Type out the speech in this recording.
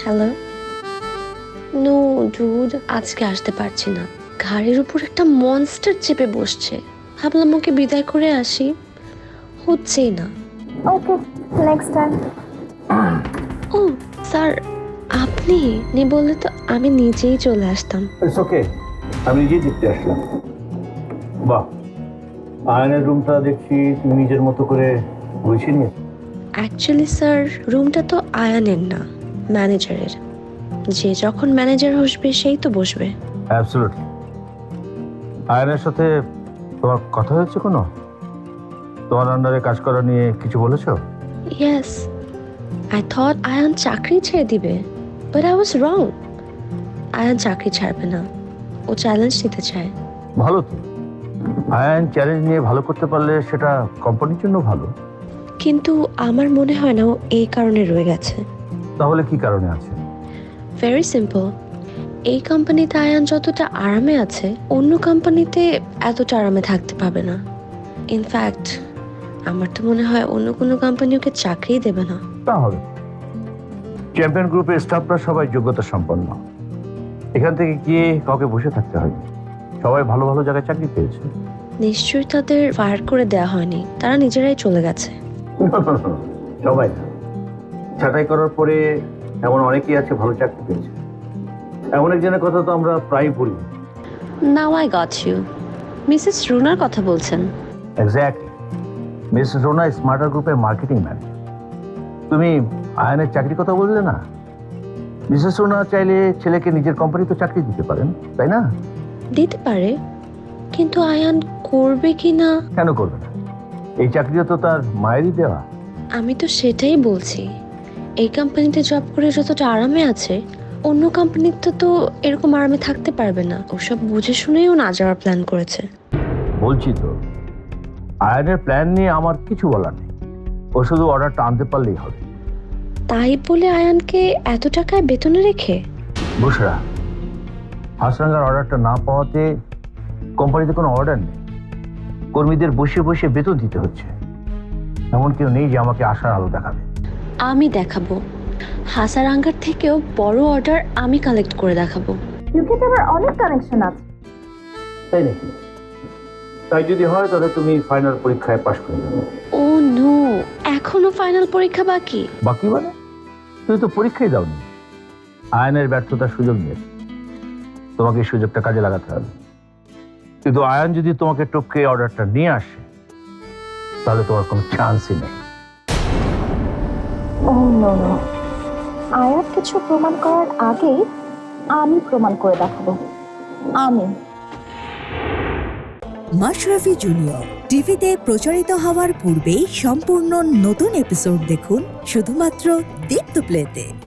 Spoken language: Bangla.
হ্যালো। নো ডুড, আজকে আসতে পারছি না। ঘাড়ের উপর একটা মনস্টার চেপে বসছে। ভাবলাম ওকে বিদায় করে আসি, হচ্ছেই না। Okay, next time. ও স্যার, আপনি নেই বললে তো আমি নিজেই চলে আসতাম। ইটস ওকে, আমি নিজেই দেখতে আসলাম। বাহ, আয়নের রুমটা দেখছি তুমি নিজের মতো করে গুছিয়ে নিয়েছো। অ্যাকচুয়ালি স্যার, রুমটা তো আয়ানের না, ম্যানেজারের। যে যখন ম্যানেজার বসবে সেই তো বসবে। অ্যাবসলিউটলি। আয়নের সাথে তোমার কথা হয়েছে কোনো? তোমার আন্ডারে কাজ করা নিয়ে কিছু বলেছো? ইয়েস, আই থট আয়ান চাকরি ছেড়ে দিবে, but I was wrong. Ayaan চাকরি ছাড়বে না, ও চ্যালেঞ্জ নিতে চায়। ভালো তো, আয়ন চ্যালেঞ্জ নিয়ে ভালো করতে পারলে সেটা কোম্পানির জন্য ভালো। কিন্তু আমার মনে হয় না ও এই কারণে রয়ে গেছে। তাহলে কি কারণে আছে? ভেরি সিম্পল, এই কোম্পানিতে আয়ান যতটা আরামে আছে অন্য কোম্পানিতে এতটা আরামে থাকতে পাবে না। ইনফ্যাক্ট আমার তো মনে হয় অন্য কোনো কোম্পানি ওকে চাকরিই দেবে না। তাহলে চ্যাম্পিয়ন গ্রুপের স্টাফরা সবাই যোগ্যতা সম্পন্ন। এখান থেকে গিয়ে কাউকে বসে থাকতে হয়, সবাই ভালো ভালো জায়গায় চাকরি পেয়েছে। নিশ্চয়ই তাদের ফায়ার করে দেওয়া হয়নি, তারা নিজেরাই চলে গেছে। সবাই না, ছাঁটাই করার পরে এমন অনেকেই আছে ভালো চাকরি পেয়েছে। এমন একজনের কথা তো আমরা প্রায় বলি। Now I got you, Mrs রুনার কথা বলছেন? এক্স্যাক্টলি, মিস রোনা স্মার্টার গ্রুপের মার্কেটিং ম্যানেজার। তুমি আয়নের চাকরির কথা বললে না? মিসেস রোনা চাইলে ছেলেকে নিজের কোম্পানিতে চাকরি দিতে পারেন, তাই না? দিতে পারে, কিন্তু আয়ান করবে কি না। কেন করবে না? এই চাকরিও তো তার মায়েরই দেওয়া। আমি তো সেটাই বলছি, এই কোম্পানিতে জব করে যতটা আরামে আছে অন্য কোম্পানিতে তো এরকম আরামে থাকতে পারবে না। ওসব বুঝে শুনেই ও না যাওয়ার প্ল্যান করেছে। বলছি তো, আয়নের প্ল্যান নিয়ে আমার কিছু বলার নেই। ও শুধু অর্ডারটা আনতে পারলেই হবে। তাই বলে আয়ানকে এত টাকায় বেতনে রেখে? বুসরা, হাসরাঙ্গার অর্ডারটা না পাওয়াতে কোম্পানিতে কোনো অর্ডার নেই। কর্মীদের বসে বসে বেতন দিতে হচ্ছে। এমন কেউ নেই যে আমাকে আশার আলো দেখাবে। আমি দেখাবো, হাসারাঙ্গার থেকেও বড় অর্ডার আমি কালেক্ট করে দেখাবো। ইউকেতে আমার অনেক কানেকশন আছে। তাই নাকি? তাই যদি হয় তাহলে তুমি ফাইনাল পরীক্ষায় পাশ করে যাবে। ও নো, এখনো ফাইনাল পরীক্ষা বাকি? বাকি মানে? তুমি তো পরীক্ষাই দাওনি। আয়নের ব্যর্থতার সুযোগ নিয়েছে, তোমাকে এই সুযোগটা কাজে লাগাতে হবে। কিন্তু আয়ন যদি তোমাকে টপকে অর্ডারটা নিয়ে আসে তাহলে তোমার কোনো চান্সই নেই। ও নো নো, আয়াত কিছু প্রমাণ করার আগেই আমি প্রমাণ করে দেখাবো। আমি মাশরাফি জুনিয়র টিভিতে প্রচারিত হওয়ার পূর্বেই সম্পূর্ণ নতুন এপিসোড দেখুন শুধুমাত্র দীপ্ত প্লেতে।